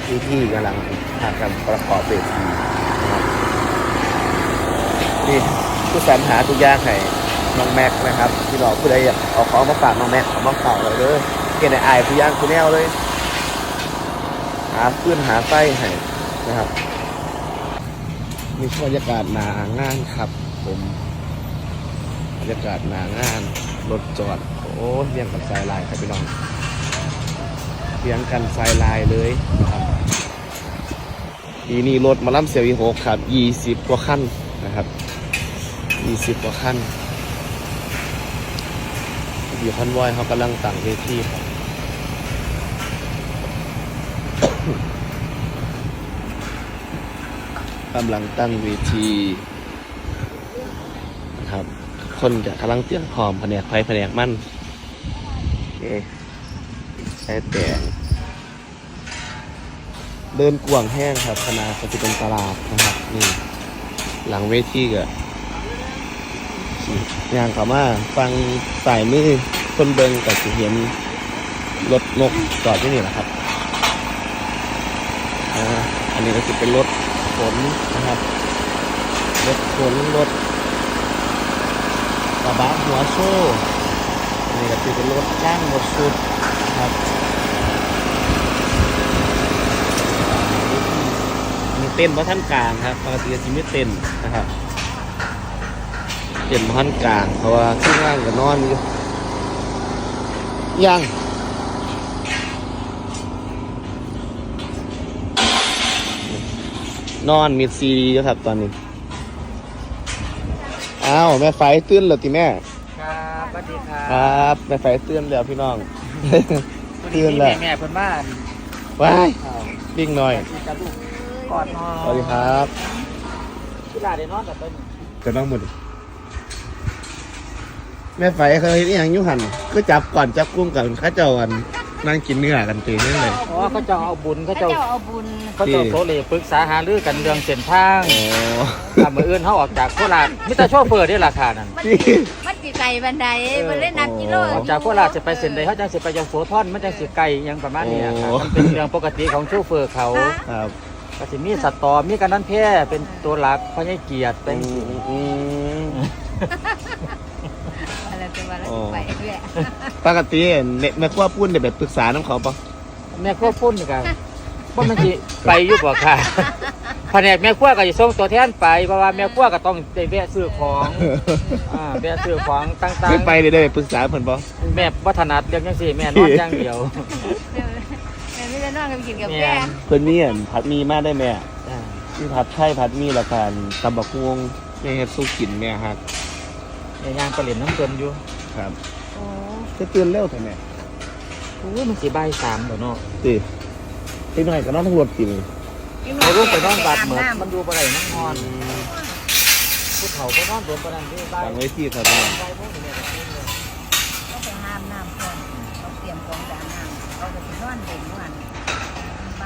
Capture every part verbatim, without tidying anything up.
ที่ที่กำลังทำการประกอบเวทีนะครับนี่ผู้สรรหาทุกอย่างให้น้องแม็กนะครับที่เราผู้ใดอยากเอาของมาฝากน้องแม็กเอามาฝากเลยเลยเกณฑ์ไอ้ทุกอย่างคุณแนวเลยหาพื้นหาไส้ให้นะครับมีบรรยากาศหนางานครับผมบรรยากาศหนางานรถจอดโอ้เรียงกันสายลายครับพี่น้องเรียงกันสายลายเลยนะครับปีนี้รถมาล่ำเสียวอีหกครับยี่สิบกว่าขั้นนะครับยี่สิบกว่าขั้นอยู่คอนวอยเขากำลังตั้งเวทีครับกำลังตั้งเวทีนะครับคนจะกำลังเตรียมพร้อมแผนกไฟแผนกมั่นเอ๊ะใช้แต่เดินกวางแห้งครับขนาดจะเป็นตลาดนะครับนี่หลังเวทีก็ย่างเข้ามาฟังสายมือคนเบิงกับสิเห็นรถนกจอดที่นี่แหละครับอ่าอันนี้ก็จะเป็นรถขนนะครับรถขนรถกระบะหัวโซ่อันนี้ก็จะเป็นรถจ้างรถสุดนะครับมีเต้นเพราะท่านกลางครับปกติจะไม่เต้นนะครับเต้นเพราะท่านกลางเพราะว่าที่ว่างกับนอนอยู่ยังนอนมีซีดีครับตอนนี้อ้าวแม่ไฟตื่นแล้วติแม่ครับสวัสดีครับครับแม่ไฟตื่นแล้วพี่น้องตื่นแล้วแม่เพิ่นบ้านว้ายวิ่งหน่อยกอดนอนสวัสดีครับที่ลาได้นอนกับต้นจะต้องหมดแม่ไฟเคยนี่ยังยุหันก็จับก่อนจับกุ้มกันข้าเจ้ากันนั่งกินเนื้อกันตีนี่เลยอ๋อเขาเจ้าเอาบุญเขาเจ้าเอาบุญเขาเจ้าโซเลปรึกษาหารือกันเรื่องเส้นทางโอ้ทำมืออื่นเขาออกจากโคราชมิตรโชเฟอร์ได้ราคานั้นมันสิไก่บันไดมันเล่นนักกิโลออกจากโคราชจะไปเส้นใดเขาจังสิไปยังโสธรมันจังสิไก่ยังประมาณนี้ครับมันเป็นเรื่องปกติของโชเฟอร์เขาครับก็สิมีสัตว์ต่อมีกันนั้นแพร่เป็นตัวหลักเพราะให้เกียรติเป็นอะไรเป็นวันละไปเรื่อยปกติแม่ครัวพูดเนี่ยแบบปรึกษาน้ำเขาปะแม่ครัวพุ่นนี่กันว่ามันสิไปยุบบ่ค่ะแผนกแม่ครัวก็จะส่งตัวแทนไปเพราะว่าแม่ครัวก็ต้องได้แวะซื้อของอ่าแวะซื้อของต่างๆไม่ไปเลยได้ปรึกษาเพิ่นปะแม่บ่ถนัดเรื่องจังซี่แม่นอนอย่างเดียวแม่ไม่ได้นอนกันกินกับแม่เพิ่นมีอันผัดมีมาได้แม่มีผัดไทยผัดมีละกันตำบักฮวงแม่เฮ็ดสู้กินแม่ฮักแม่ย่างปลาเหลียนน้ำเกินอยู่ครับโอ้จะตื่นเร็วแท้แม่โอ้ยมันสิบ่ายสามแล้วเนาะสิอีกหน่อยก็นอนทั้งรถกินเอาลูกไปนอนบาดเหมือนมันดูบ่ได้นั่งนอนผู้เฒ่าก็นอนโดนปานนั้นที่บ้านตั้งไว้ที่ครับก็ไปห้ามน้ำก่อนเขาเตรียมของด่าน้ำเขาจะไปนอนเด่นวันไป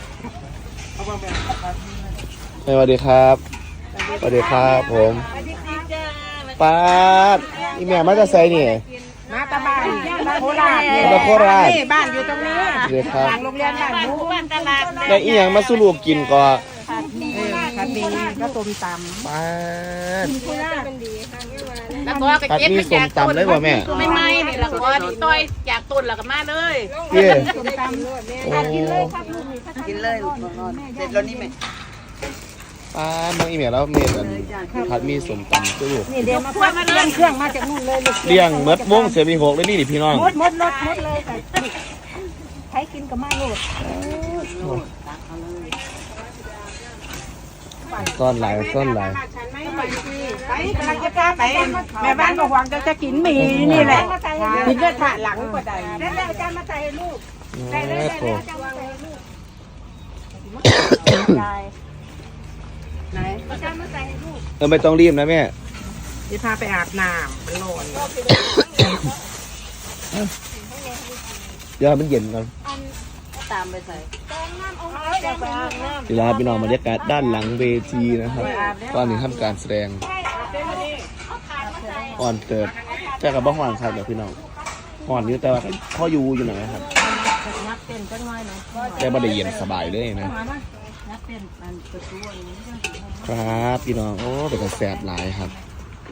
สวัสดีครับสวัสดีครับผมป้าอีแม่มาจะใส่นี่มาตาบ้านมาโคราชมาโคราชบ้านอยู่ตรงนี้เดี๋ยวครับหลังโรงเรียนบ้านหมูบ้านตลาดแล้วอีหยังมาสู้ลูกกินก็ผัดหมี่ผัดหมี่ก็ต้มตำป้าโคราชเป็นดีค่ะแล้วก็กระเจี๊ยบมาจากต้นเลยว่ะแม่ไม่ไม่นี่แล้วก็ต้อยจากต้นแล้วก็มาเลยเย้ต้มตำกินเลยครับลูกกินเลยเสร็จแล้วนี่ไหมป้าน้องอีเมลแล้วเมลผัดมีสมตำตู้นี่เดี๋ยวมาพักเลี้ยงเครื่องมาจากนู่นเลยเลี้ยงมดม่วงเสียมีหกเลยนี่ดิพี่น้องมดมดรถมดเลยใช้กินกับมาโลดซ่อนหลายซ่อนหลายไปกำลังจะกล้าไปแม่บ้านก็หวังจะจะกินหมี่นี่แหละกินก็ถะหลังก็ได้แล้วอาจารย์มาใส่ลูกได้เลยได้เลยอาจารย์มาใส่ลูกไหนอาจารย์มาใส่ลูกเออไม่ต้องรีบนะแม่จะพาไปอาบน้ำมันร้อนเดี๋ยวมันเย็นก่อนตามไปใส่เวลาพี่น้องบรรยากาศด้านหลังเวทีนะครับตอนนี้ทำการแสดงอ่อนเกิดแต่กับบ้องหวานครับเดี๋ยวพี่น้องอ่อนอยู่แต่ว่าข้อยูอยู่หน่อยครับเต้นจังหน่อยนะแต่บ่ได้เย็นสบายเลยนะมานะนักเต้นอันประตูอันนี้ครับพี่น้องโอ้เป็นกระแสบหลายครับ